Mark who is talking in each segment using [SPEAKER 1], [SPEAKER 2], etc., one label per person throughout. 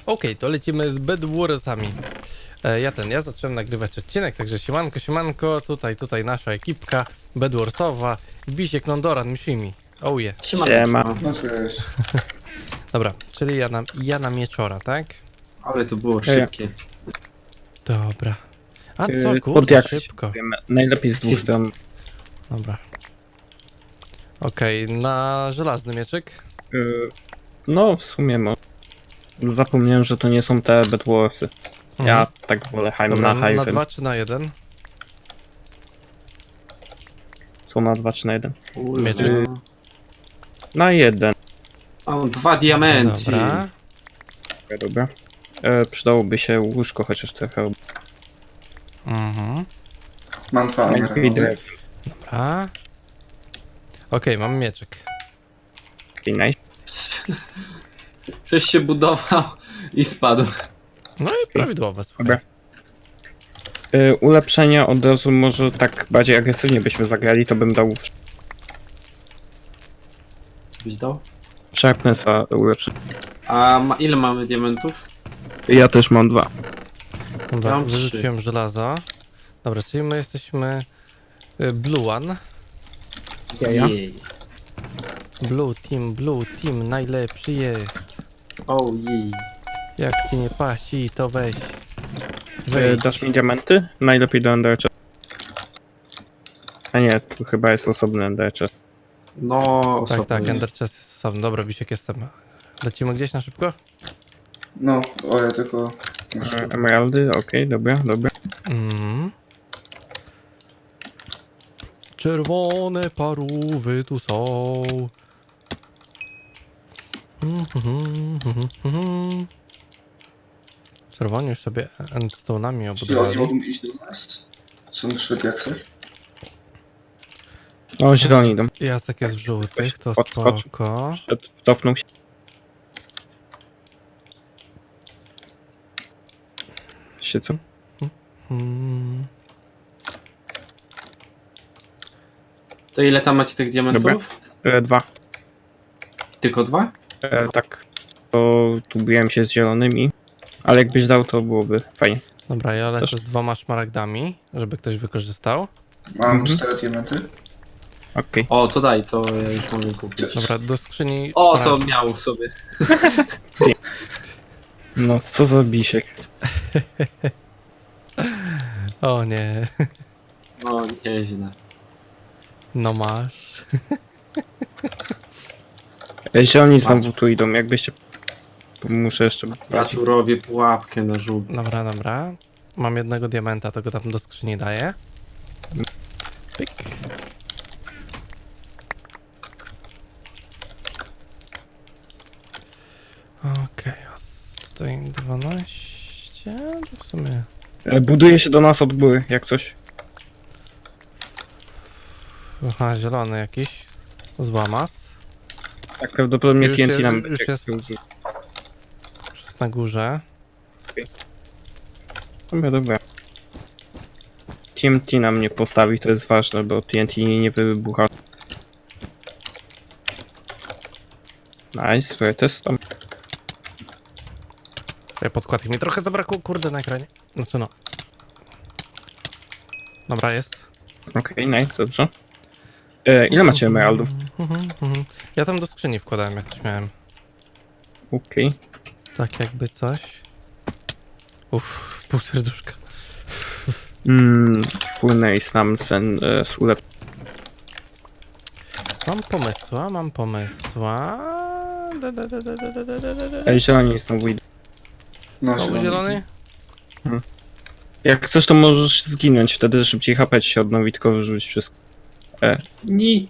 [SPEAKER 1] Okej, to lecimy z Bed Warsami. Ja zacząłem nagrywać odcinek, także siemanko, tutaj nasza ekipka Bed Warsowa, Bisiek, Nondoran, Mishimi. Oh yeah.
[SPEAKER 2] Siema.
[SPEAKER 3] No cześć.
[SPEAKER 1] Dobra, czyli ja na mieczora, tak?
[SPEAKER 2] Ale to było szybkie.
[SPEAKER 1] Dobra. A co,
[SPEAKER 2] Pod
[SPEAKER 1] kurde,
[SPEAKER 2] jak
[SPEAKER 1] szybko.
[SPEAKER 2] najlepiej z dwóch stron.
[SPEAKER 1] Dobra. Okej, na żelazny mieczyk.
[SPEAKER 2] No w sumie zapomniałem, że to nie są te Bedwarsy. Ja tak wolę
[SPEAKER 1] Dobra,
[SPEAKER 2] na high,
[SPEAKER 1] na
[SPEAKER 2] więc
[SPEAKER 1] 2 czy na 1?
[SPEAKER 2] są na 2 czy na 1.
[SPEAKER 1] Mieczyk.
[SPEAKER 2] Na 1.
[SPEAKER 4] O, 2 diamenty.
[SPEAKER 1] Dobra.
[SPEAKER 2] Dobra. Przydałoby się łóżko chociaż trochę.
[SPEAKER 3] Mam dwa
[SPEAKER 2] Najlepiej
[SPEAKER 3] emeraldy.
[SPEAKER 2] drewno.
[SPEAKER 1] Dobra. Okej, mam mieczyk.
[SPEAKER 2] Okay, nice.
[SPEAKER 4] Ktoś się budował i spadł.
[SPEAKER 1] No i prawidłowe, słuchaj.
[SPEAKER 2] Dobra. Ulepszenia od razu może tak bardziej agresywnie byśmy zagrali, to bym dał
[SPEAKER 4] Co byś dał?
[SPEAKER 2] Sharpnessa ulepszenia.
[SPEAKER 4] A ile mamy diamentów?
[SPEAKER 2] Ja też mam 2.
[SPEAKER 1] Dobra,
[SPEAKER 4] Ja mam
[SPEAKER 1] wyrzuciłem żelazo. Dobra, czyli my jesteśmy Blue One.
[SPEAKER 2] Ja.
[SPEAKER 4] Jej.
[SPEAKER 1] Blue Team, najlepszy jest.
[SPEAKER 4] O jej.
[SPEAKER 1] Jak ci nie pasi, to weź.
[SPEAKER 2] Dasz mi diamenty? Najlepiej do Endercha. A nie, tu chyba jest osobny Endercha.
[SPEAKER 4] No,
[SPEAKER 1] Tak,
[SPEAKER 4] osobno jest.
[SPEAKER 1] Ender Chest jest osobny. Dobra, Bisiek, jestem. Lecimy gdzieś na szybko?
[SPEAKER 3] No, o ja tylko...
[SPEAKER 2] Emeraldy, okej, dobra.
[SPEAKER 1] Mhm. Czerwone parówy tu są. Czerwoni już sobie endstone'ami
[SPEAKER 3] Czyli oni
[SPEAKER 1] obudowali.
[SPEAKER 3] mogą iść do nas? Są 3 diaksy?
[SPEAKER 2] O, zieloni idą.
[SPEAKER 1] Jacek jest w żółtych, to
[SPEAKER 2] Podskoczył.
[SPEAKER 1] spoko.
[SPEAKER 2] Cofnął się. Co?
[SPEAKER 1] Mm.
[SPEAKER 4] To ile tam macie tych diamentów?
[SPEAKER 2] Dobra. 2.
[SPEAKER 4] Tylko 2?
[SPEAKER 2] Tak. To tu biłem się z zielonymi. Ale jakbyś dał, to byłoby fajnie.
[SPEAKER 1] Dobra, ja lecę
[SPEAKER 2] Też.
[SPEAKER 1] z 2 szmaragdami, żeby ktoś wykorzystał.
[SPEAKER 3] Mam 4 diamenty.
[SPEAKER 2] Okej.
[SPEAKER 4] O, to daj, to ja już mogę kupić.
[SPEAKER 1] Dobra, do skrzyni...
[SPEAKER 4] O, to miał sobie.
[SPEAKER 2] No, co za bisiek.
[SPEAKER 1] O nie,
[SPEAKER 4] No, nieźle.
[SPEAKER 1] no masz.
[SPEAKER 2] Zieloni znowu tu idą, jakbyście... Muszę jeszcze...
[SPEAKER 4] Ja tu robię pułapkę na żółt.
[SPEAKER 1] Dobra. Mam jednego diamenta, to go tam do skrzyni daję. Pyk. Okej, tutaj 12, to w sumie...
[SPEAKER 2] Buduje się do nas od góry, jak coś.
[SPEAKER 1] Aha, zielony jakiś. Złamas.
[SPEAKER 2] Tak prawdopodobnie
[SPEAKER 1] Już
[SPEAKER 2] TNT
[SPEAKER 1] jest-
[SPEAKER 2] nam
[SPEAKER 1] już
[SPEAKER 2] będzie
[SPEAKER 1] jest.
[SPEAKER 2] użył.
[SPEAKER 1] Jest na górze.
[SPEAKER 2] Dobra. TNT nam nie postawi, to jest ważne, bo TNT nie wybucha. Nice, test tam.
[SPEAKER 1] Podkładki mi trochę zabrakło, kurde, na ekranie. Znaczy no. Dobra, jest.
[SPEAKER 2] Okej, nice, dobrze. Ile macie emeraldów?
[SPEAKER 1] Ja tam do skrzyni wkładałem, jak coś miałem.
[SPEAKER 2] Okej.
[SPEAKER 1] Tak jakby coś. Uff, pół serduszka.
[SPEAKER 2] Full nice nam sen sulep.
[SPEAKER 1] Mam pomysła. Da.
[SPEAKER 2] Zieloni znowu idą.
[SPEAKER 3] No,
[SPEAKER 1] Znowu zielony?
[SPEAKER 2] Jak chcesz, to możesz zginąć, wtedy szybciej HP ci się odnowi, tylko wyrzuć wszystko.
[SPEAKER 4] Ni.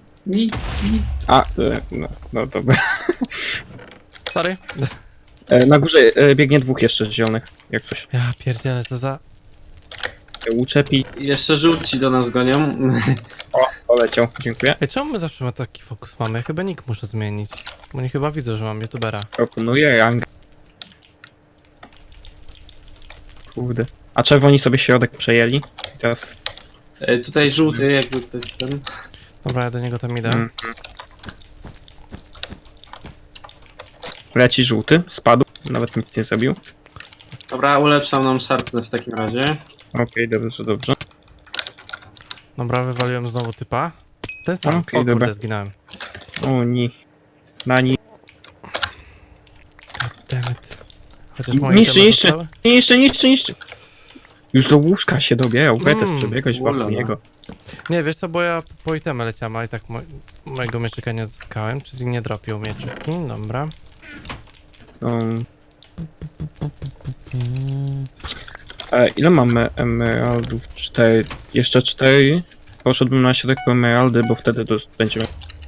[SPEAKER 2] No dobra.
[SPEAKER 1] Sorry.
[SPEAKER 2] Na górze biegnie 2 jeszcze zielonych, jak coś.
[SPEAKER 1] Ja pierdzielę, to za...
[SPEAKER 2] Uczepi.
[SPEAKER 4] Jeszcze żółci do nas gonią.
[SPEAKER 2] O, poleciał, dziękuję.
[SPEAKER 1] Ej, czemu my zawsze taki fokus mamy? Chyba nick muszę zmienić. Bo nie chyba widzę, że mam youtubera.
[SPEAKER 2] Proponuję rangę. Kurde. A czerwoni sobie środek przejęli. I teraz...
[SPEAKER 4] Tutaj żółty, jakby ktoś ten.
[SPEAKER 1] Dobra, ja do niego tam idę.
[SPEAKER 2] Leci żółty, spadł. Nawet nic nie zrobił.
[SPEAKER 4] Dobra, ulepszam nam sharpness w takim razie.
[SPEAKER 2] Okej, dobrze, dobrze.
[SPEAKER 1] Dobra, wywaliłem znowu typa. Ten sam.
[SPEAKER 2] Okej,
[SPEAKER 1] O kurde,
[SPEAKER 2] dobra.
[SPEAKER 1] zginąłem.
[SPEAKER 2] O nie. Nani.
[SPEAKER 1] Dammit. Chociaż moje
[SPEAKER 2] Niszczy,
[SPEAKER 1] itemy
[SPEAKER 2] niszczy.
[SPEAKER 1] zostały?
[SPEAKER 2] Niszczy. Już do łóżka się dobierał. Wetes przebiegać wokół
[SPEAKER 4] ulala.
[SPEAKER 2] niego.
[SPEAKER 1] Nie, wiesz co, bo ja po itemy leciałem, a i tak mojego mieczyka nie odzyskałem, czyli nie dropił mieczyki, dobra.
[SPEAKER 2] Ile mamy emeraldów? 4. Jeszcze 4. Poszedłbym na środek po emeraldy, bo wtedy będziemy...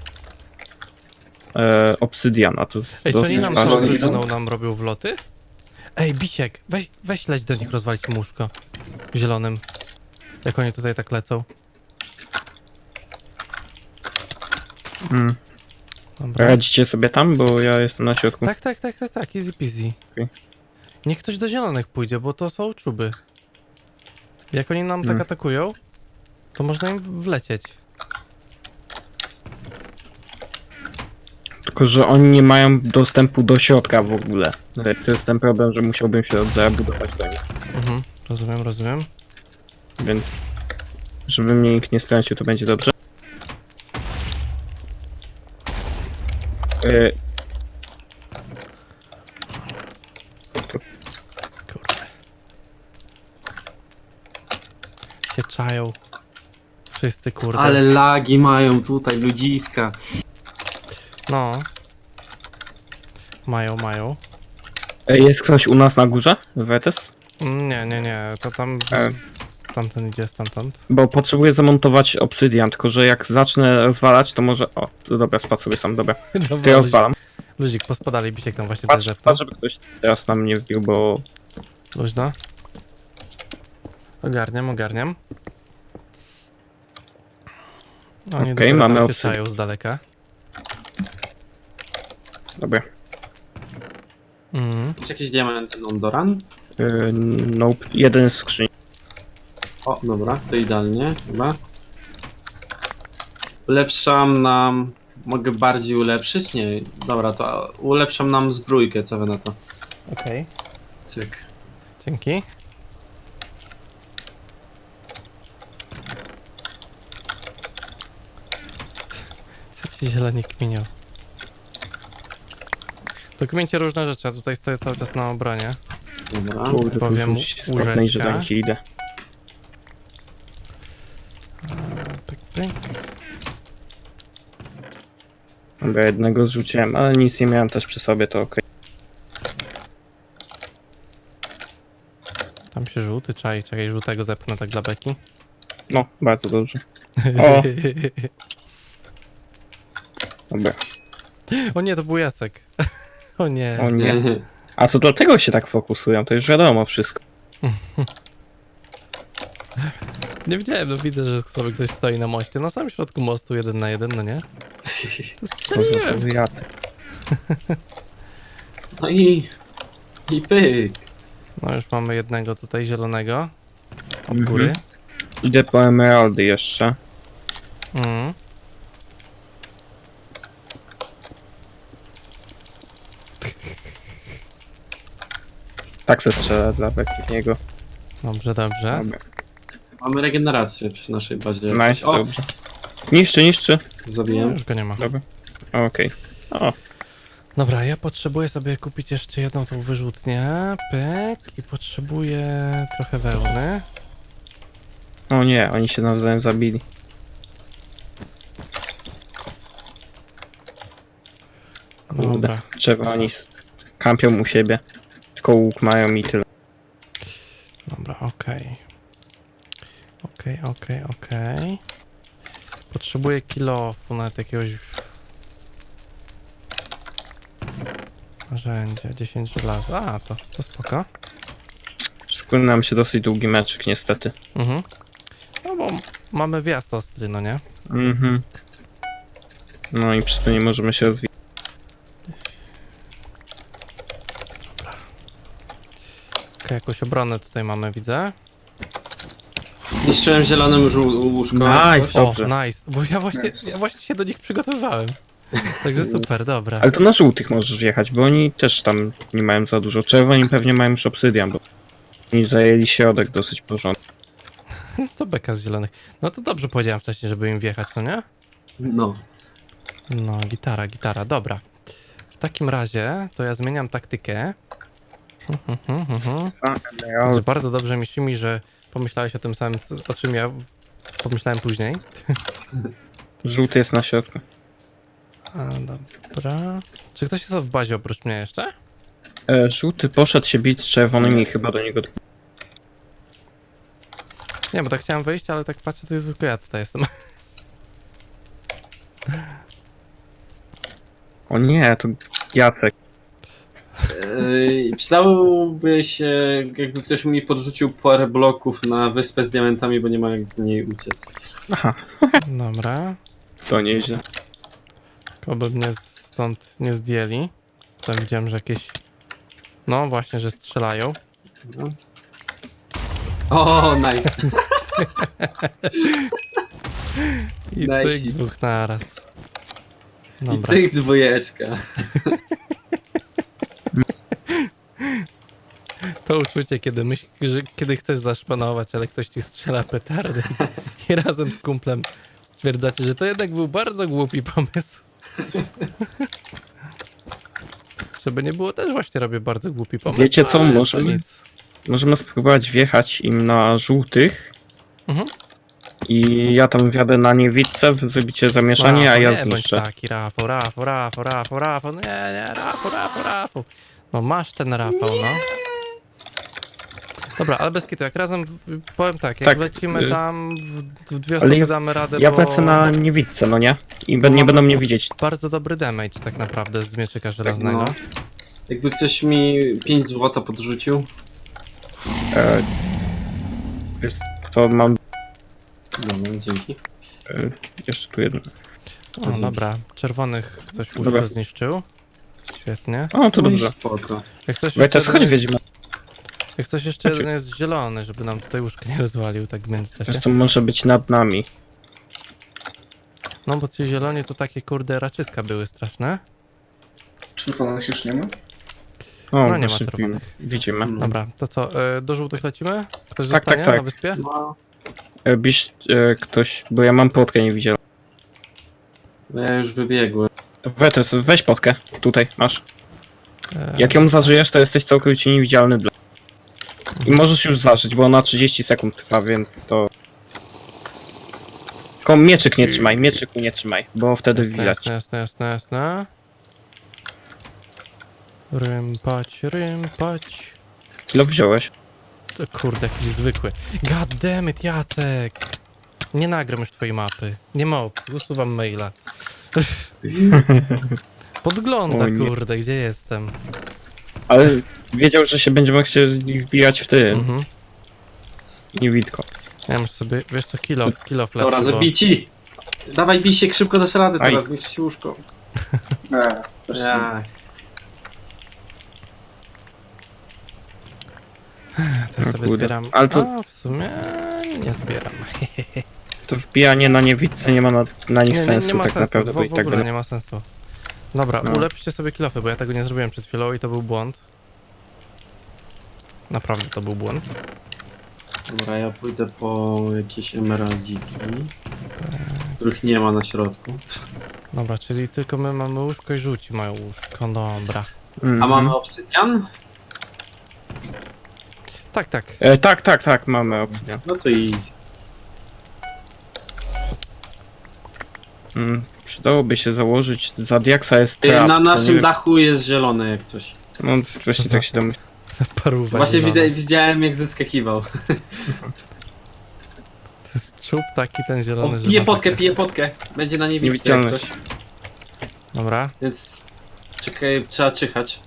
[SPEAKER 2] obsydian, a to jest
[SPEAKER 1] Ej, czy oni
[SPEAKER 2] dosyć
[SPEAKER 1] nam
[SPEAKER 3] ważne.
[SPEAKER 1] całą
[SPEAKER 2] ważne.
[SPEAKER 1] drużyną nam robią wloty? Ej, Bisiek, weź leć do nich rozwalić im łóżko. Zielonym. Jak oni tutaj tak lecą.
[SPEAKER 2] Mm.
[SPEAKER 1] Dobra.
[SPEAKER 2] Radzicie sobie tam, bo ja jestem na środku.
[SPEAKER 1] Tak, easy peasy.
[SPEAKER 2] Okej.
[SPEAKER 1] Niech ktoś do zielonych pójdzie, bo to są czuby. Jak oni nam tak atakują, to można im wlecieć.
[SPEAKER 2] Tylko, że oni nie mają dostępu do środka w ogóle. To jest ten problem, że musiałbym się zabudować do nich.
[SPEAKER 1] Mhm, rozumiem.
[SPEAKER 2] Więc żeby mnie nikt nie stracił, to będzie dobrze.
[SPEAKER 1] Kurde. Się czają. Wszyscy, kurde.
[SPEAKER 4] Ale lagi mają tutaj ludziska.
[SPEAKER 1] No. Mają.
[SPEAKER 2] Jest ktoś u nas na górze? Wetes?
[SPEAKER 1] Nie, to tam...
[SPEAKER 2] E.
[SPEAKER 1] Tamten idzie stamtąd.
[SPEAKER 2] Bo potrzebuję zamontować obsydian, tylko że jak zacznę rozwalać, to może... O, to dobra, spadł sobie sam, dobra. To ja
[SPEAKER 1] Dobra,
[SPEAKER 2] rozwalam.
[SPEAKER 1] Luzik, pospadali, Bisiek tam właśnie też
[SPEAKER 2] Patrz,
[SPEAKER 1] zepnął.
[SPEAKER 2] żeby ktoś teraz na mnie wbił, bo...
[SPEAKER 1] Luźno. Ogarniam. Oni
[SPEAKER 2] Okej,
[SPEAKER 1] dopiero
[SPEAKER 2] mamy
[SPEAKER 1] tam się
[SPEAKER 2] obsydian.
[SPEAKER 1] czają z daleka.
[SPEAKER 2] Dobra.
[SPEAKER 4] Czy jakieś diamenty Nondoran?
[SPEAKER 2] Nope, jeden z skrzyni.
[SPEAKER 4] O, dobra, to idealnie chyba. Ulepszam nam... Mogę bardziej ulepszyć? Nie, dobra, to ulepszam nam zbrójkę, co wy na to?
[SPEAKER 1] Okej.
[SPEAKER 4] Cyk.
[SPEAKER 1] Dzięki. Co ci zieloni kminią? To kmincie różne rzeczy, a tutaj stoję cały czas na obronie.
[SPEAKER 4] Dobra.
[SPEAKER 2] Kurde, tu
[SPEAKER 1] powiem
[SPEAKER 2] rzuć stopnej, że
[SPEAKER 1] łóżeczka.
[SPEAKER 2] tam ci idę.
[SPEAKER 1] Pyk.
[SPEAKER 2] Dobra, jednego zrzuciłem, ale nic nie miałem też przy sobie, to okej.
[SPEAKER 1] Tam się żółty czai, czekaj, żółtego zepchnę tak dla beki.
[SPEAKER 2] No, bardzo dobrze. O! Dobra.
[SPEAKER 1] O nie, to był Jacek. O nie.
[SPEAKER 2] O nie. A to dlatego się tak fokusują, to już wiadomo wszystko.
[SPEAKER 1] Nie wiedziałem, no widzę, że sobie ktoś stoi na moście, na samym środku mostu 1 na 1, no nie?
[SPEAKER 2] To za jacy.
[SPEAKER 4] No i pyk.
[SPEAKER 1] No już mamy jednego tutaj zielonego. Od
[SPEAKER 2] Mhm.
[SPEAKER 1] góry.
[SPEAKER 2] Idę po emeraldy jeszcze.
[SPEAKER 1] Mhm.
[SPEAKER 2] Tak se strzelę dla niego.
[SPEAKER 1] Dobrze.
[SPEAKER 2] Dobra.
[SPEAKER 4] Mamy regenerację przy naszej bazie.
[SPEAKER 2] Nice,
[SPEAKER 4] O,
[SPEAKER 2] dobrze. Niszczy.
[SPEAKER 1] No,
[SPEAKER 4] zabiłem.
[SPEAKER 1] już go nie ma.
[SPEAKER 2] Dobra. Okej. O,
[SPEAKER 1] Dobra, ja potrzebuję sobie kupić jeszcze jedną tą wyrzutnię. Pyk. I potrzebuję trochę wełny.
[SPEAKER 2] o nie, oni się nawzajem zabili. Kurde,
[SPEAKER 1] Dobra.
[SPEAKER 2] trzeba oni kampią u siebie. Tylko łuk mają i tyle.
[SPEAKER 1] Dobra, okej. Potrzebuję kilofu, nawet jakiegoś... Narzędzia, 10 żelaza. A, to spoko.
[SPEAKER 2] Szykuje nam się dosyć długi meczyk niestety.
[SPEAKER 1] Mhm. No bo mamy wjazd ostry, no nie?
[SPEAKER 2] Mhm. No i przez to nie możemy się rozwijać.
[SPEAKER 1] Okej, jakąś obronę tutaj mamy, widzę.
[SPEAKER 4] Zniszczyłem zielonym łóżko.
[SPEAKER 2] Nice,
[SPEAKER 1] O,
[SPEAKER 2] dobrze.
[SPEAKER 1] nice. Bo ja właśnie się do nich przygotowywałem. Także super, dobra.
[SPEAKER 2] Ale to na żółtych możesz jechać, bo oni też tam nie mają za dużo. Czerwoni pewnie mają już obsydian, bo oni zajęli środek dosyć porządnie.
[SPEAKER 1] To beka z zielonych. No to dobrze powiedziałem wcześniej, żeby im wjechać, no nie?
[SPEAKER 4] No.
[SPEAKER 1] No, gitara, dobra. W takim razie to ja zmieniam taktykę. Także bardzo dobrze mi Shimi, że pomyślałeś o tym samym, o czym ja pomyślałem później.
[SPEAKER 2] Żółty jest na środku.
[SPEAKER 1] A, dobra. Czy ktoś jest w bazie oprócz mnie jeszcze?
[SPEAKER 2] Żółty poszedł się bić z czerwonymi i chyba do niego...
[SPEAKER 1] Nie, bo tak chciałem wyjść, ale tak patrzę, to jest tylko ja tutaj jestem.
[SPEAKER 2] O nie, to Jacek.
[SPEAKER 4] Przydałoby się, jakby ktoś mi podrzucił parę bloków na wyspę z diamentami, bo nie ma jak z niej uciec.
[SPEAKER 2] Aha,
[SPEAKER 1] Dobra.
[SPEAKER 2] to nieźle.
[SPEAKER 1] Oby mnie stąd nie zdjęli. Tam widziałem, że jakieś... No właśnie, że strzelają.
[SPEAKER 4] No. O, nice.
[SPEAKER 1] I
[SPEAKER 4] Nice.
[SPEAKER 1] cyk, dwóch naraz.
[SPEAKER 4] I
[SPEAKER 1] Dobra.
[SPEAKER 4] cyk dwójeczka.
[SPEAKER 1] To uczucie, kiedy myślisz, że kiedy chcesz zaszpanować, ale ktoś ci strzela petardę i razem z kumplem stwierdzacie, że to jednak był bardzo głupi pomysł. Żeby nie było, też właśnie robię bardzo głupi pomysł.
[SPEAKER 2] Wiecie co,
[SPEAKER 1] ale to
[SPEAKER 2] możemy-
[SPEAKER 1] nic.
[SPEAKER 2] Możemy spróbować wjechać im na żółtych
[SPEAKER 1] Mhm.
[SPEAKER 2] i ja tam wjadę na niewidce, wy zrobicie zamieszanie, a
[SPEAKER 1] Rafał,
[SPEAKER 2] ja
[SPEAKER 1] nie bądź
[SPEAKER 2] zniszczę.
[SPEAKER 1] taki, Rafał. Nie, Rafał. No masz ten Rafał, no. Dobra, ale bez kitu, jak razem, powiem tak, jak
[SPEAKER 2] Tak,
[SPEAKER 1] lecimy tam w dwie
[SPEAKER 2] ale
[SPEAKER 1] osoby
[SPEAKER 2] ja-
[SPEAKER 1] damy radę,
[SPEAKER 2] Ja
[SPEAKER 1] bo
[SPEAKER 2] wlecę na niewidce, no nie? I
[SPEAKER 1] Bo
[SPEAKER 2] nie
[SPEAKER 1] mamy-
[SPEAKER 2] będą mnie widzieć.
[SPEAKER 1] bardzo dobry damage tak naprawdę z mieczyka żelaznego.
[SPEAKER 4] No. Jakby ktoś mi 5 złota podrzucił.
[SPEAKER 2] E, wiesz, to mam
[SPEAKER 4] Dobra, dzięki.
[SPEAKER 2] jeszcze tu jedno.
[SPEAKER 1] O, dobra, czerwonych ktoś
[SPEAKER 2] Dobra.
[SPEAKER 1] już zniszczył. Świetnie.
[SPEAKER 2] O, to
[SPEAKER 4] No i
[SPEAKER 2] dobrze.
[SPEAKER 4] spoko.
[SPEAKER 1] Jak coś
[SPEAKER 2] Wejtas,
[SPEAKER 1] jeszcze,
[SPEAKER 2] chodź
[SPEAKER 1] jeden,
[SPEAKER 2] wiedźmy.
[SPEAKER 1] jak coś jeszcze
[SPEAKER 2] Chodź.
[SPEAKER 1] jeden jest zielony, żeby nam tutaj łóżko nie rozwalił tak w międzyczasie.
[SPEAKER 2] Wiesz, to może być nad nami.
[SPEAKER 1] No bo ci zieloni to takie kurde raczyska były straszne.
[SPEAKER 3] Czerwonych już nie ma?
[SPEAKER 2] O,
[SPEAKER 1] No nie ma
[SPEAKER 2] właśnie
[SPEAKER 1] czerwonych.
[SPEAKER 2] widzimy.
[SPEAKER 4] No.
[SPEAKER 1] Dobra, to co, do żółtych lecimy? Ktoś
[SPEAKER 2] Tak,
[SPEAKER 1] zostanie
[SPEAKER 2] tak.
[SPEAKER 1] na wyspie?
[SPEAKER 4] No,
[SPEAKER 2] Biś ktoś, bo ja mam potkę niewidzialną.
[SPEAKER 4] ja już wybiegłem.
[SPEAKER 2] Wetes, weź potkę. Tutaj, masz.
[SPEAKER 1] E,
[SPEAKER 2] Jak ją zażyjesz, to jesteś całkowicie niewidzialny dla... I możesz już zażyć, bo ona 30 sekund trwa, więc to... Tylko mieczyk nie trzymaj, mieczyku nie trzymaj, bo wtedy
[SPEAKER 1] jasne,
[SPEAKER 2] widać.
[SPEAKER 1] jasne. Rympać.
[SPEAKER 2] Kilo wziąłeś.
[SPEAKER 1] To kurde, jakiś zwykły. God damn it, Jacek! Nie nagram już twojej mapy. Nie ma opcji, usuwam maila. Podgląda,
[SPEAKER 2] O nie.
[SPEAKER 1] kurde, gdzie jestem.
[SPEAKER 2] Ale wiedział, że się będziemy chcieli wbijać w tym.
[SPEAKER 1] Mhm.
[SPEAKER 2] Niewidko.
[SPEAKER 1] Ja muszę sobie, wiesz co, kill off
[SPEAKER 4] Dobra,
[SPEAKER 1] lepiej, bo...
[SPEAKER 4] zabici! Dawaj, bij się, szybko dasz radę
[SPEAKER 2] Aj.
[SPEAKER 4] teraz, zniszczyć łóżko.
[SPEAKER 3] Nie, też nie.
[SPEAKER 4] Ja.
[SPEAKER 1] Teraz
[SPEAKER 2] O
[SPEAKER 1] sobie
[SPEAKER 2] kurde.
[SPEAKER 1] zbieram.
[SPEAKER 2] Ale to-
[SPEAKER 1] A, w sumie nie zbieram.
[SPEAKER 2] To wbijanie na niewidce nie ma na nich sensu
[SPEAKER 1] nie ma
[SPEAKER 2] tak
[SPEAKER 1] sensu,
[SPEAKER 2] naprawdę, bo i
[SPEAKER 1] w
[SPEAKER 2] tak
[SPEAKER 1] ogóle
[SPEAKER 2] będą...
[SPEAKER 1] nie ma sensu. Dobra,
[SPEAKER 2] No.
[SPEAKER 1] ulepszcie sobie kilofy, bo ja tego nie zrobiłem przed chwilą i to był błąd. Naprawdę to był błąd.
[SPEAKER 4] Dobra, ja pójdę po jakieś emeraldziki, których nie ma na środku.
[SPEAKER 1] Dobra, czyli tylko my mamy łóżko i żółci mają łóżko, dobra.
[SPEAKER 2] Mhm.
[SPEAKER 4] A mamy obsydian?
[SPEAKER 1] Tak, tak.
[SPEAKER 2] Tak, mamy opcję.
[SPEAKER 4] No to easy.
[SPEAKER 2] Przydałoby się założyć, za diaksa jest trap.
[SPEAKER 4] Na
[SPEAKER 2] to
[SPEAKER 4] naszym
[SPEAKER 2] nie-
[SPEAKER 4] dachu jest zielone jak coś.
[SPEAKER 2] No właśnie tak się domyślam.
[SPEAKER 1] Zaparuwa
[SPEAKER 4] Właśnie
[SPEAKER 1] zielona.
[SPEAKER 4] widziałem jak zeskakiwał.
[SPEAKER 1] To jest czub taki ten
[SPEAKER 4] O,
[SPEAKER 1] zielony, że
[SPEAKER 4] pije
[SPEAKER 1] masakra.
[SPEAKER 4] potkę, pije potkę. Będzie na niewidce jak
[SPEAKER 2] Niewidzialność.
[SPEAKER 4] coś.
[SPEAKER 1] Dobra.
[SPEAKER 4] Więc czekaj, trzeba czyhać.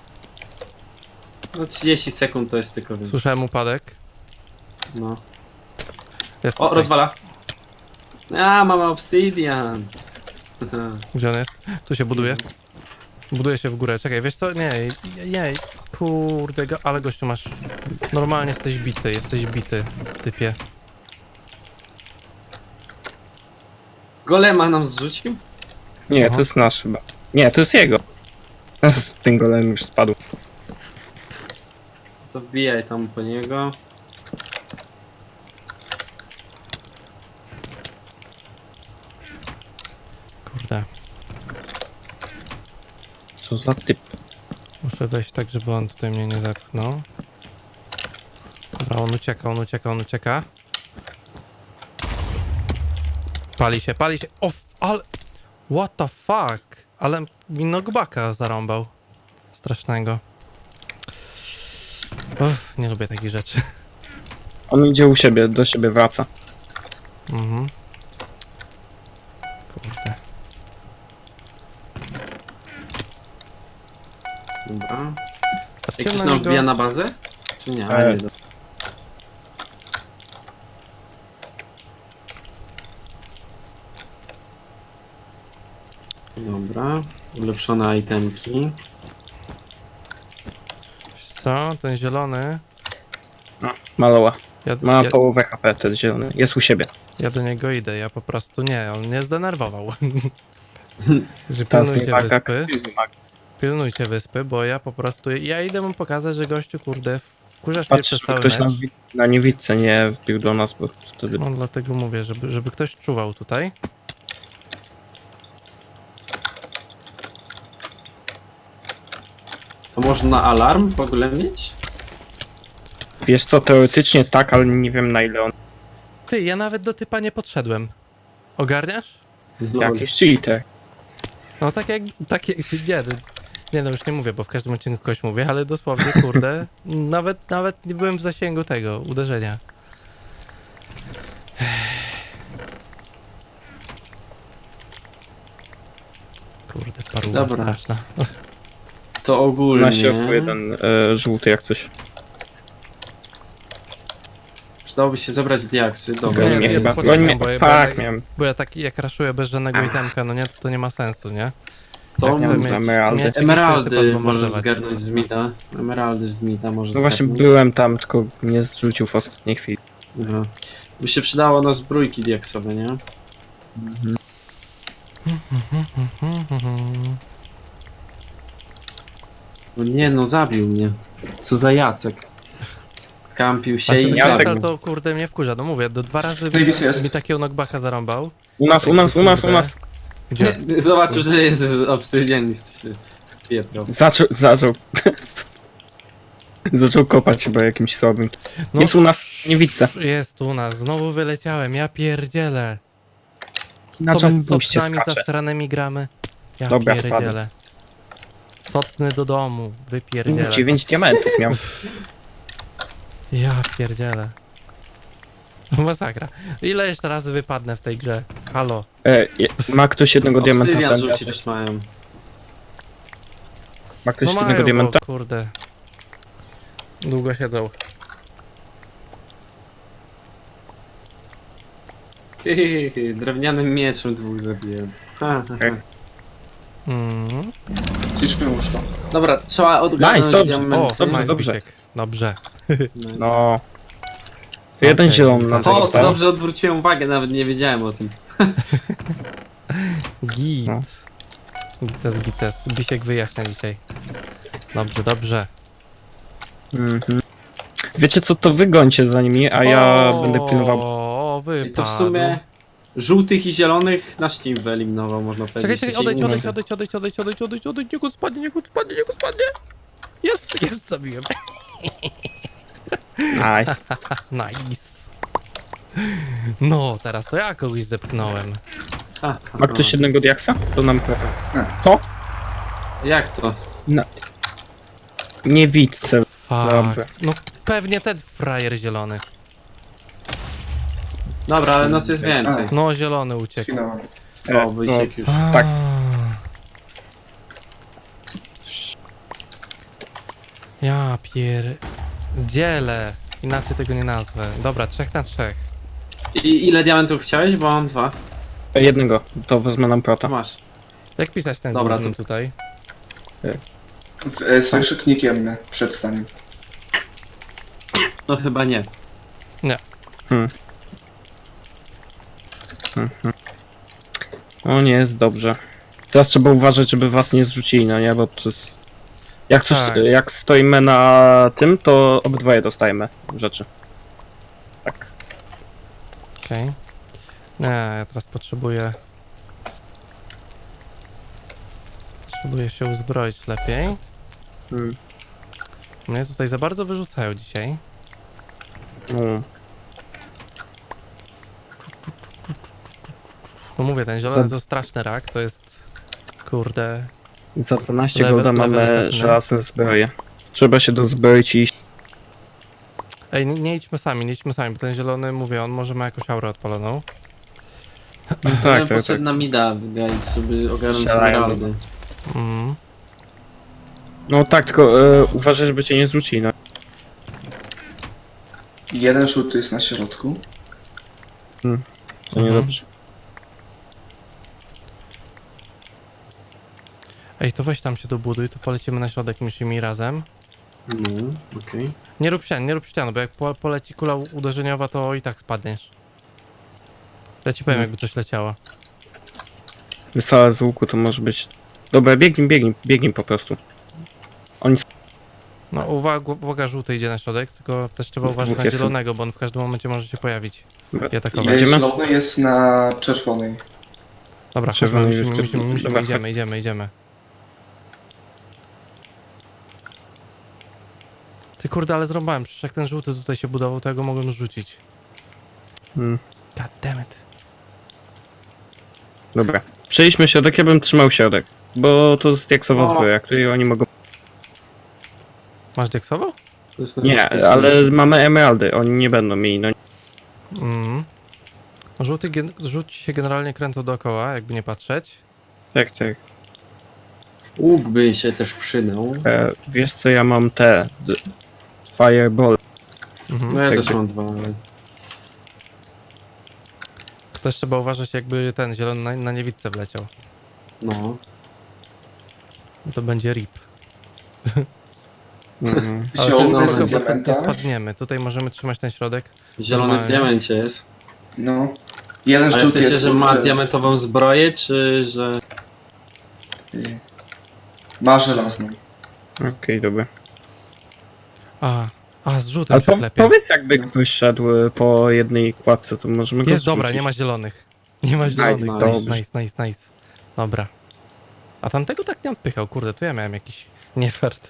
[SPEAKER 4] No 30 sekund to jest tylko, więc
[SPEAKER 1] Słyszałem upadek.
[SPEAKER 4] no.
[SPEAKER 1] Jest
[SPEAKER 4] O,
[SPEAKER 1] tutaj.
[SPEAKER 4] rozwala. A, mamy obsydian.
[SPEAKER 1] Gdzie on jest? Tu się buduje. Buduje się w górę. Czekaj, wiesz co? Nie. Kurde, ale gościu masz... Normalnie jesteś bity, typie.
[SPEAKER 4] Golema nam zrzucił?
[SPEAKER 2] Nie,
[SPEAKER 1] Aha.
[SPEAKER 2] to jest nasz chyba. Nie, to jest jego. Z tym golem już spadł.
[SPEAKER 4] To wbijaj tam po niego.
[SPEAKER 1] Kurde.
[SPEAKER 2] Co za typ.
[SPEAKER 1] Muszę wejść tak, żeby on tutaj mnie nie zepchnął. Dobra, on ucieka, on ucieka, on ucieka. Pali się, pali się. O, ale... What the fuck? Ale mi knockbacka zarąbał. Strasznego. Uff, nie lubię takich rzeczy.
[SPEAKER 2] On idzie u siebie, do siebie wraca.
[SPEAKER 1] Mhm. Kurde.
[SPEAKER 4] Dobra.
[SPEAKER 1] Straciłem
[SPEAKER 4] Jakiś
[SPEAKER 1] na
[SPEAKER 4] nam
[SPEAKER 1] niego...
[SPEAKER 4] wbija na bazę? Czy nie? A, nie. Dobra. Ulepszone itemki.
[SPEAKER 1] Wiesz co? Ten zielony...
[SPEAKER 2] Maloła.
[SPEAKER 1] Ja,
[SPEAKER 2] Ma
[SPEAKER 1] ja,
[SPEAKER 2] połowę HP, ten zielony. Jest u siebie.
[SPEAKER 1] ja do niego idę, ja po prostu nie, on mnie zdenerwował. Że
[SPEAKER 2] Teraz
[SPEAKER 1] pilnujcie
[SPEAKER 2] wymaga
[SPEAKER 1] wyspy, pilnujcie wyspy, bo ja po prostu, ja idę mu pokazać, że gościu, kurde, wkurzasz mnie
[SPEAKER 2] Patrz,
[SPEAKER 1] przez
[SPEAKER 2] żeby
[SPEAKER 1] cały
[SPEAKER 2] ktoś
[SPEAKER 1] mecz.
[SPEAKER 2] na niewidce nie wbił do nas, bo wtedy...
[SPEAKER 1] No dlatego mówię, żeby ktoś czuwał tutaj.
[SPEAKER 4] To można alarm w ogóle mieć?
[SPEAKER 2] Wiesz co, teoretycznie tak, ale nie wiem na ile on...
[SPEAKER 1] Ty, ja nawet do typa nie podszedłem. Ogarniasz?
[SPEAKER 2] Jakiś cheater.
[SPEAKER 1] No tak jak, nie no już nie mówię, bo w każdym odcinku kogoś mówię, ale dosłownie, kurde, nawet nie byłem w zasięgu tego uderzenia. Kurde, paruwa
[SPEAKER 4] Dobra.
[SPEAKER 1] straszna.
[SPEAKER 4] To ogólnie...
[SPEAKER 2] Na środku jeden żółty jak coś.
[SPEAKER 4] Przydałoby się zebrać diaksy. Dobra.
[SPEAKER 1] Nie,
[SPEAKER 2] Nie,
[SPEAKER 1] nie,
[SPEAKER 2] chyba.
[SPEAKER 1] poczekam,
[SPEAKER 2] Oni mnie...
[SPEAKER 1] bo ja-
[SPEAKER 2] Fuck,
[SPEAKER 1] bo-
[SPEAKER 2] miałem...
[SPEAKER 1] Bo ja tak jak raszuję bez żadnego itemka, no nie, to nie ma sensu, nie?
[SPEAKER 4] To
[SPEAKER 1] Ja chcę
[SPEAKER 2] mam
[SPEAKER 1] mieć,
[SPEAKER 2] emeraldy.
[SPEAKER 1] mieć
[SPEAKER 4] Emeraldy
[SPEAKER 1] typa
[SPEAKER 4] możesz
[SPEAKER 1] zbombardować.
[SPEAKER 4] zgarnąć z mida. Emeraldy z mida możesz
[SPEAKER 2] No właśnie byłem tam, tylko mnie zrzucił w ostatniej chwili.
[SPEAKER 4] Aha. By się przydało na zbrójki diaksowe, nie? No nie no, zabił mnie. Co za Jacek. Skampił się
[SPEAKER 1] Ale
[SPEAKER 4] i
[SPEAKER 1] ten
[SPEAKER 2] Jacek-
[SPEAKER 1] Jacek to kurde mnie wkurza, no mówię, do 2 razy
[SPEAKER 3] Davis jest.
[SPEAKER 1] mi takiego knockbacka zarąbał.
[SPEAKER 2] U nas.
[SPEAKER 1] Gdzie?
[SPEAKER 4] zobaczył, że jest obsydian i się spieprał.
[SPEAKER 2] Zaczął... Zaczął kopać chyba jakimś słabym.
[SPEAKER 1] No,
[SPEAKER 2] Jest u nas, nie widzę.
[SPEAKER 1] Jest u nas, znowu wyleciałem, ja pierdzielę.
[SPEAKER 2] Na
[SPEAKER 1] Co my z
[SPEAKER 2] jumbuście
[SPEAKER 1] sotnami
[SPEAKER 2] skacze.
[SPEAKER 1] zasranymi gramy? Ja
[SPEAKER 2] Dobra,
[SPEAKER 1] pierdzielę. Sotny do domu, wypierdzielę.
[SPEAKER 2] 9 diamentów miał.
[SPEAKER 1] Ja pierdzielę. Masakra. Ile jeszcze razy wypadnę w tej grze? Halo.
[SPEAKER 2] Ma ktoś jednego diamenta?
[SPEAKER 4] Obsydian
[SPEAKER 2] Będę-
[SPEAKER 4] rzuci też mają.
[SPEAKER 2] Ma ktoś
[SPEAKER 1] No
[SPEAKER 2] jednego
[SPEAKER 1] mają,
[SPEAKER 2] diamenta?
[SPEAKER 1] bo kurde. Długo siedzą.
[SPEAKER 4] Drewnianym mieczem dwóch zabiłem. Ha, ha, ha.
[SPEAKER 1] Mm.
[SPEAKER 3] Ciczmy łóżko.
[SPEAKER 4] Dobra, trzeba odgarnąć
[SPEAKER 2] Nice, dobrze.
[SPEAKER 4] diamenty.
[SPEAKER 1] O,
[SPEAKER 2] dobrze,
[SPEAKER 1] nice,
[SPEAKER 2] dobrze.
[SPEAKER 1] Bisiek. Dobrze.
[SPEAKER 4] Nice.
[SPEAKER 2] No. To jeden
[SPEAKER 1] Okej,
[SPEAKER 2] zielony na
[SPEAKER 1] to
[SPEAKER 4] O, to
[SPEAKER 2] został.
[SPEAKER 4] dobrze odwróciłem uwagę, nawet nie wiedziałem o tym.
[SPEAKER 1] Git.
[SPEAKER 2] No.
[SPEAKER 1] Gites. Bisiek wyjaśnia dzisiaj. Dobrze, dobrze.
[SPEAKER 2] Mhm. Wiecie co, to wygońcie za nimi, a ja będę pilnował.
[SPEAKER 1] O,
[SPEAKER 4] I
[SPEAKER 1] wypadł.
[SPEAKER 4] to w sumie żółtych i zielonych nasz team wyeliminował, można powiedzieć.
[SPEAKER 1] Czekaj, odejdź, niech on spadnie, niech on spadnie. Jest, zabiłem.
[SPEAKER 2] Nice.
[SPEAKER 1] Nice. No, teraz to ja kogoś zepchnąłem.
[SPEAKER 4] Ha, ha,
[SPEAKER 2] Ma ktoś
[SPEAKER 4] ha.
[SPEAKER 2] jednego diaksa? To nam...
[SPEAKER 4] Jak to?
[SPEAKER 2] Nie widzę. Dobra.
[SPEAKER 1] Fuck. No pewnie ten frajer zielony.
[SPEAKER 4] Dobra, ale nas jest więcej.
[SPEAKER 1] No, zielony uciekł.
[SPEAKER 3] Skinąłem.
[SPEAKER 4] O, Wysiek już.
[SPEAKER 2] Tak.
[SPEAKER 1] Ja pierdzielę. Inaczej tego nie nazwę. Dobra, 3 na 3.
[SPEAKER 4] I ile diamentów chciałeś? Bo mam 2.
[SPEAKER 2] Jednego, to wezmę nam
[SPEAKER 4] To
[SPEAKER 2] prota.
[SPEAKER 4] masz.
[SPEAKER 1] Jak pisać ten
[SPEAKER 4] Dobra,
[SPEAKER 1] główny
[SPEAKER 4] to-
[SPEAKER 1] tutaj?
[SPEAKER 3] Z wykrzyknikiem przed staniem.
[SPEAKER 4] No chyba nie.
[SPEAKER 2] O nie, jest dobrze. Teraz trzeba uważać, żeby was nie zrzucili, no nie, bo to jest... Jak, coś,
[SPEAKER 1] Tak.
[SPEAKER 2] jak stoimy na tym, to obydwoje dostajemy rzeczy. Tak.
[SPEAKER 1] Okej. Nie, ja teraz potrzebuję... Potrzebuję się uzbroić lepiej.
[SPEAKER 2] Mm.
[SPEAKER 1] Mnie tutaj za bardzo wyrzucają dzisiaj.
[SPEAKER 2] No.
[SPEAKER 1] No mówię, ten zielony
[SPEAKER 2] Za-
[SPEAKER 1] to straszny rak, to jest... Kurde...
[SPEAKER 2] Za 12
[SPEAKER 1] Level-
[SPEAKER 2] golda
[SPEAKER 1] level
[SPEAKER 2] mamy
[SPEAKER 1] setny.
[SPEAKER 2] żelazne zbroje. Trzeba się dozbroić i iść.
[SPEAKER 1] Ej, nie idźmy sami, bo ten zielony, mówię, on może ma jakąś aurę odpaloną.
[SPEAKER 2] No
[SPEAKER 4] Ja
[SPEAKER 2] tak,
[SPEAKER 4] bym
[SPEAKER 2] tak,
[SPEAKER 4] poszedł
[SPEAKER 2] tak.
[SPEAKER 4] na mida, guys, żeby ogarnąć
[SPEAKER 2] Strzelają.
[SPEAKER 4] emeraldy.
[SPEAKER 1] Mm.
[SPEAKER 2] No tak, tylko uważaj, żeby cię nie zrzucili, no.
[SPEAKER 3] Jeden rzut jest na środku.
[SPEAKER 2] To
[SPEAKER 1] Mhm.
[SPEAKER 2] niedobrze.
[SPEAKER 1] Ej, to weź tam się dobuduj, to polecimy na środek mi razem.
[SPEAKER 4] No, okej.
[SPEAKER 1] Nie rób ścian, bo jak poleci kula uderzeniowa, to i tak spadniesz. Ja ci powiem, jakby coś leciało.
[SPEAKER 2] Wystrzał z łuku to może być... Dobra, biegnij po prostu. Oni
[SPEAKER 1] No uwaga, żółty idzie na środek, tylko też trzeba uważać
[SPEAKER 2] Dwóch
[SPEAKER 1] na
[SPEAKER 2] jest.
[SPEAKER 1] zielonego, bo on w każdym momencie może się pojawić i atakować.
[SPEAKER 2] Będziemy?
[SPEAKER 3] Zielony jest na czerwonej.
[SPEAKER 1] Dobra,
[SPEAKER 2] Czerwony
[SPEAKER 1] chodźmy,
[SPEAKER 2] jest-
[SPEAKER 1] musimy,
[SPEAKER 2] Dobra,
[SPEAKER 1] idziemy. Ty kurde, ale zrąbałem, przecież jak ten żółty tutaj się budował, to ja go mogłem rzucić.
[SPEAKER 2] Hmm.
[SPEAKER 1] God damn it.
[SPEAKER 2] Dobra. Przejdźmy środek, ja bym trzymał środek. Bo to jest diaksowa
[SPEAKER 4] O.
[SPEAKER 2] zbroja, której oni mogą...
[SPEAKER 1] Masz deksowo?
[SPEAKER 4] To jest
[SPEAKER 2] Nie,
[SPEAKER 4] najbezpieczniejsze.
[SPEAKER 2] ale mamy emeraldy, oni nie będą mieli, no.
[SPEAKER 1] Mhm. Żółci się generalnie kręcą dookoła, jakby nie patrzeć.
[SPEAKER 2] Tak.
[SPEAKER 4] Łuk by się też przydał.
[SPEAKER 2] Wiesz co, ja mam te... Fireball.
[SPEAKER 1] Mhm.
[SPEAKER 4] No ja
[SPEAKER 2] tak,
[SPEAKER 4] też
[SPEAKER 2] tak.
[SPEAKER 4] mam dwa, ale...
[SPEAKER 1] Też trzeba uważać, jakby ten zielony na niewidce wleciał.
[SPEAKER 4] No.
[SPEAKER 1] To będzie rip.
[SPEAKER 2] Mhm.
[SPEAKER 1] Ale
[SPEAKER 3] Zielony
[SPEAKER 1] to
[SPEAKER 3] jest
[SPEAKER 1] jest
[SPEAKER 3] na
[SPEAKER 1] nie
[SPEAKER 3] diamenta.
[SPEAKER 1] spadniemy. Tutaj możemy trzymać ten środek.
[SPEAKER 4] Zielony w
[SPEAKER 1] Normalnie.
[SPEAKER 4] diamencie jest.
[SPEAKER 3] No. Jeden
[SPEAKER 4] Ale w
[SPEAKER 3] rzut
[SPEAKER 4] sensie,
[SPEAKER 3] jest...
[SPEAKER 4] że ma diamentową zbroję, czy że...
[SPEAKER 3] Ma żelazną.
[SPEAKER 2] Okej, dobra.
[SPEAKER 1] Z żółtym
[SPEAKER 2] Ale
[SPEAKER 1] się klepie.
[SPEAKER 2] powiedz jakby ktoś szedł po jednej kładce, to możemy go
[SPEAKER 1] Jest, dobra,
[SPEAKER 2] zrzucić.
[SPEAKER 1] nie ma zielonych. Nie ma zielonych.
[SPEAKER 4] nice.
[SPEAKER 1] Nice. Dobra. A tamtego tak nie odpychał, kurde, to ja miałem jakiś niefert.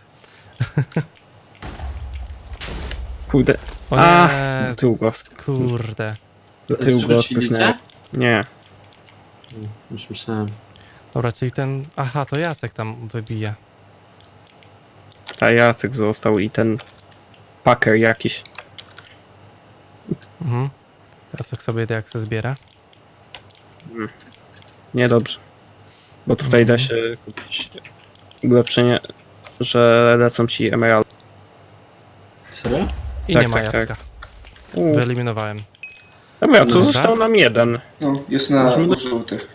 [SPEAKER 2] Kurde,
[SPEAKER 1] O
[SPEAKER 2] A,
[SPEAKER 1] nie,
[SPEAKER 2] do tyłu go.
[SPEAKER 1] kurde.
[SPEAKER 2] do tyłu go
[SPEAKER 4] Zrzucili
[SPEAKER 2] odpychnęło.
[SPEAKER 4] cię?
[SPEAKER 2] Nie.
[SPEAKER 4] Już myślałem.
[SPEAKER 1] Dobra, czyli ten... Aha, to Jacek tam wybija.
[SPEAKER 2] A Jacek został i ten packer jakiś.
[SPEAKER 1] Mhm. Jacek sobie jak zbiera.
[SPEAKER 2] Niedobrze. Bo tutaj da się kupić ulepszenie, że lecą ci emerald.
[SPEAKER 4] Serio?
[SPEAKER 1] I
[SPEAKER 2] Tak,
[SPEAKER 1] nie ma
[SPEAKER 2] tak,
[SPEAKER 1] Jacka. Wyeliminowałem.
[SPEAKER 2] Dobra, to
[SPEAKER 1] Dobra.
[SPEAKER 2] został nam jeden.
[SPEAKER 3] No, jest na
[SPEAKER 2] Możemy-
[SPEAKER 3] żółtych.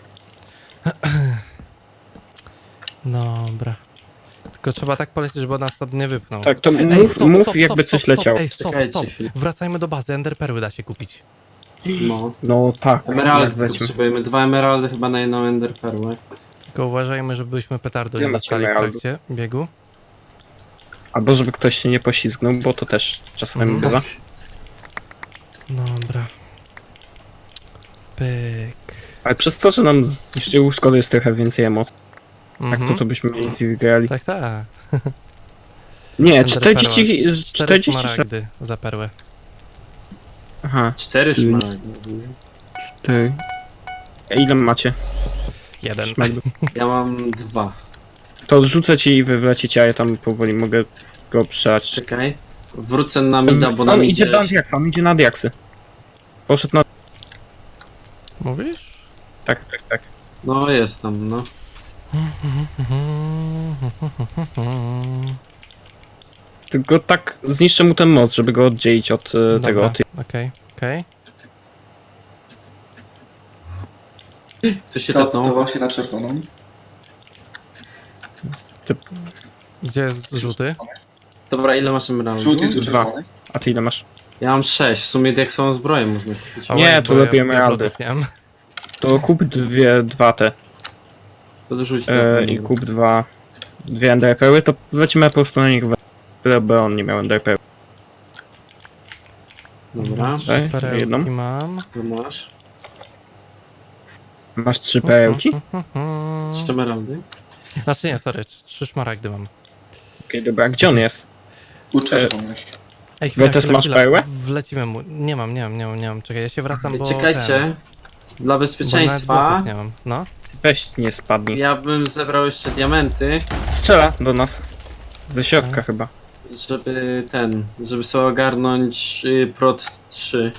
[SPEAKER 1] Dobra. Tylko trzeba tak polecieć, żeby on nas stąd nie wypchnął.
[SPEAKER 2] Tak, to
[SPEAKER 1] Ej,
[SPEAKER 2] mów jakby coś leciało.
[SPEAKER 1] Ej, stop.
[SPEAKER 4] Czekajcie chwilę.
[SPEAKER 1] Wracajmy do bazy, enderperły da się kupić.
[SPEAKER 4] No.
[SPEAKER 2] No tak.
[SPEAKER 4] Emeraldy
[SPEAKER 2] jak
[SPEAKER 4] tylko
[SPEAKER 2] lecimy.
[SPEAKER 4] potrzebujemy. 2 emeraldy chyba na jedną ender perłę.
[SPEAKER 1] Tylko uważajmy, żebyśmy petardu
[SPEAKER 2] Nie
[SPEAKER 1] nie
[SPEAKER 2] ma
[SPEAKER 1] dostali w
[SPEAKER 2] emeraldów.
[SPEAKER 1] trakcie biegu.
[SPEAKER 2] Albo żeby ktoś się nie poślizgnął, bo to też czasami
[SPEAKER 1] Mhm.
[SPEAKER 2] bywa.
[SPEAKER 1] Dobra. Pyk.
[SPEAKER 2] Ale przez to, że nam zniszczył szkody jest trochę więcej emocji.
[SPEAKER 1] Mhm.
[SPEAKER 2] Tak to byśmy mieli z wygrali.
[SPEAKER 1] Tak, tak.
[SPEAKER 2] Nie,
[SPEAKER 1] Enderperła.
[SPEAKER 2] 46.
[SPEAKER 1] 4 smaragdy za perłę.
[SPEAKER 2] Aha,
[SPEAKER 4] 4 szmaragdy.
[SPEAKER 2] 4. A ile macie?
[SPEAKER 1] 1.
[SPEAKER 2] Szmaragdów?
[SPEAKER 4] Ja mam 2.
[SPEAKER 2] To odrzucę ci i wy wlecicie, a ja tam powoli mogę go przeać.
[SPEAKER 4] Czekaj. Wrócę na mida, bo na
[SPEAKER 2] On
[SPEAKER 4] midzie...
[SPEAKER 2] idzie na diaksy, on idzie na diaksy. Poszedł na...
[SPEAKER 1] Mówisz?
[SPEAKER 2] Tak.
[SPEAKER 4] No jest tam, no.
[SPEAKER 2] Tylko tak zniszczę mu ten most, żeby go oddzielić od tego. Od...
[SPEAKER 1] Okej.
[SPEAKER 4] Ktoś się
[SPEAKER 3] To
[SPEAKER 4] tepnął.
[SPEAKER 3] właśnie na czerwoną.
[SPEAKER 1] Gdzie jest żółty?
[SPEAKER 4] Dobra, ile masz emeraldów?
[SPEAKER 3] Żółty jest u
[SPEAKER 2] Dwa.
[SPEAKER 3] czerwonej.
[SPEAKER 2] A ty ile masz?
[SPEAKER 4] Ja mam 6. W sumie jak są zbroje można kupić.
[SPEAKER 1] A
[SPEAKER 2] Nie,
[SPEAKER 1] łeb,
[SPEAKER 2] to
[SPEAKER 1] bo
[SPEAKER 2] lepiej
[SPEAKER 1] ja
[SPEAKER 2] emeraldy.
[SPEAKER 1] żółtych nie mam.
[SPEAKER 2] To kup dwa te.
[SPEAKER 4] Podrzuć to.
[SPEAKER 2] I kup dwie enderpeły, to lecimy po prostu na nich, bo on nie miał enderpeły.
[SPEAKER 4] Dobra,
[SPEAKER 2] Tutaj,
[SPEAKER 1] Perełki
[SPEAKER 2] jedną.
[SPEAKER 1] mam.
[SPEAKER 4] to masz.
[SPEAKER 2] Masz 3 perełki?
[SPEAKER 4] Trzy emeraldy.
[SPEAKER 1] Znaczy nie, sorry, 3 szmaragdy mam.
[SPEAKER 2] Okej, dobra, gdzie on jest?
[SPEAKER 3] U czerwonych.
[SPEAKER 1] Ej,
[SPEAKER 2] Wojtes, masz perłę?
[SPEAKER 1] Wlecimy mu. Nie mam. Czekaj, ja się wracam, bo...
[SPEAKER 4] Czekajcie. Dla
[SPEAKER 1] Bo nawet
[SPEAKER 4] bezpieczeństwa
[SPEAKER 1] bloków nie mam. No.
[SPEAKER 2] Weź, nie spadnij.
[SPEAKER 4] ja bym zebrał jeszcze diamenty,
[SPEAKER 2] Strzela do nas. Ze środka chyba.
[SPEAKER 4] żeby sobie ogarnąć prot 3.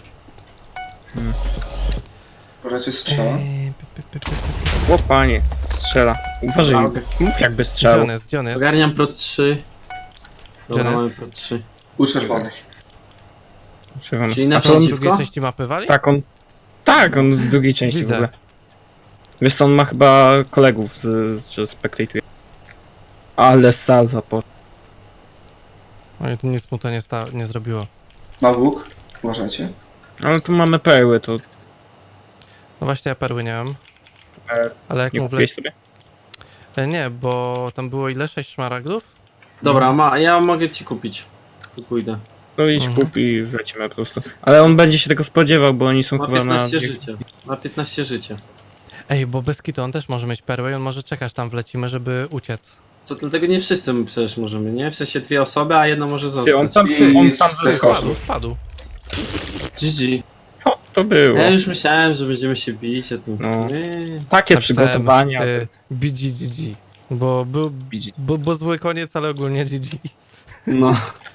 [SPEAKER 3] Raczej strzela.
[SPEAKER 2] O panie, strzela. Uważaj,
[SPEAKER 4] Dobra.
[SPEAKER 2] mów jakby
[SPEAKER 1] Gdzie
[SPEAKER 2] strzelał.
[SPEAKER 1] on jest? Gdzie on jest?
[SPEAKER 4] Ogarniam prot 3. Dobra,
[SPEAKER 1] Gdzie
[SPEAKER 4] mamy
[SPEAKER 1] jest?
[SPEAKER 4] prot 3.
[SPEAKER 3] U czerwonych.
[SPEAKER 2] Czerwony.
[SPEAKER 4] Czyli
[SPEAKER 2] A
[SPEAKER 4] na
[SPEAKER 2] to on,
[SPEAKER 1] Z
[SPEAKER 4] przeciwko?
[SPEAKER 1] drugiej części mapy wali?
[SPEAKER 2] tak, on z drugiej części
[SPEAKER 1] Widzę.
[SPEAKER 2] w ogóle. Wiesz co, on ma chyba kolegów, że spektatuje. Ale salwa po...
[SPEAKER 1] Oj, to nic mu to nie zrobiło.
[SPEAKER 3] Ma łuk. Uważajcie.
[SPEAKER 2] Ale tu mamy perły, to
[SPEAKER 1] No właśnie, ja perły nie mam.
[SPEAKER 2] E,
[SPEAKER 1] Ale jak
[SPEAKER 2] nie
[SPEAKER 1] mu
[SPEAKER 2] kupiłeś sobie?
[SPEAKER 1] Nie, bo tam było ile? 6 szmaragdów?
[SPEAKER 4] Dobra, ja mogę ci kupić. Tu pójdę.
[SPEAKER 2] To idź
[SPEAKER 1] Mhm.
[SPEAKER 2] kup i wlecimy po prostu. Ale on będzie się tego spodziewał, bo oni są
[SPEAKER 4] Ma
[SPEAKER 2] chyba na...
[SPEAKER 4] 15 życia. Ma 15 życia.
[SPEAKER 1] Ej, bo bez kitu on też może mieć perłę i on może czekać tam wlecimy, żeby uciec.
[SPEAKER 4] To dlatego nie wszyscy my przecież możemy, nie? W sensie 2 osoby, a jedna może
[SPEAKER 2] Ty, on
[SPEAKER 4] zostać.
[SPEAKER 2] tam, on tam
[SPEAKER 3] I-
[SPEAKER 2] wyskoczył.
[SPEAKER 1] Spadł.
[SPEAKER 4] GG.
[SPEAKER 2] Co to było?
[SPEAKER 4] Ja już myślałem, że będziemy się bić, a tu...
[SPEAKER 2] No.
[SPEAKER 4] Nie.
[SPEAKER 2] Takie
[SPEAKER 1] Napisałem,
[SPEAKER 2] przygotowania.
[SPEAKER 1] BGGG. Bo był... Bo zły koniec, ale ogólnie GG.
[SPEAKER 4] No,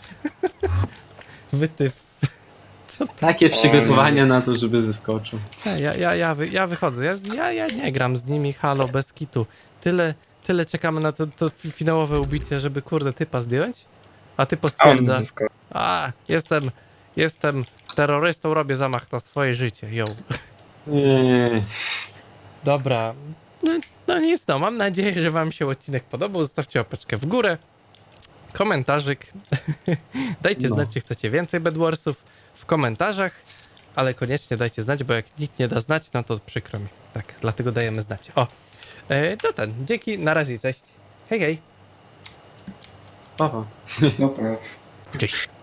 [SPEAKER 1] Wytyw. Co to?
[SPEAKER 4] takie przygotowania na to, żeby zeskoczył.
[SPEAKER 1] Ja wychodzę. Ja nie gram z nimi, halo, bez kitu. Tyle czekamy na to finałowe ubicie, żeby kurde typa zdjąć. A typ
[SPEAKER 2] A on
[SPEAKER 1] stwierdza,
[SPEAKER 2] zyskał.
[SPEAKER 1] jestem terrorystą, robię zamach na swoje życie, yo.
[SPEAKER 4] Nie.
[SPEAKER 1] Dobra, no nic, no mam nadzieję, że wam się odcinek podobał, zostawcie łapeczkę w górę, komentarzyk, dajcie
[SPEAKER 4] No.
[SPEAKER 1] znać, czy chcecie więcej Bedwarsów w komentarzach, ale koniecznie dajcie znać, bo jak nikt nie da znać, no to przykro mi, tak, dlatego dajemy znać. O, dzięki, na razie, cześć, hej, hej.
[SPEAKER 4] Papa.
[SPEAKER 3] Dobra.
[SPEAKER 1] Cześć.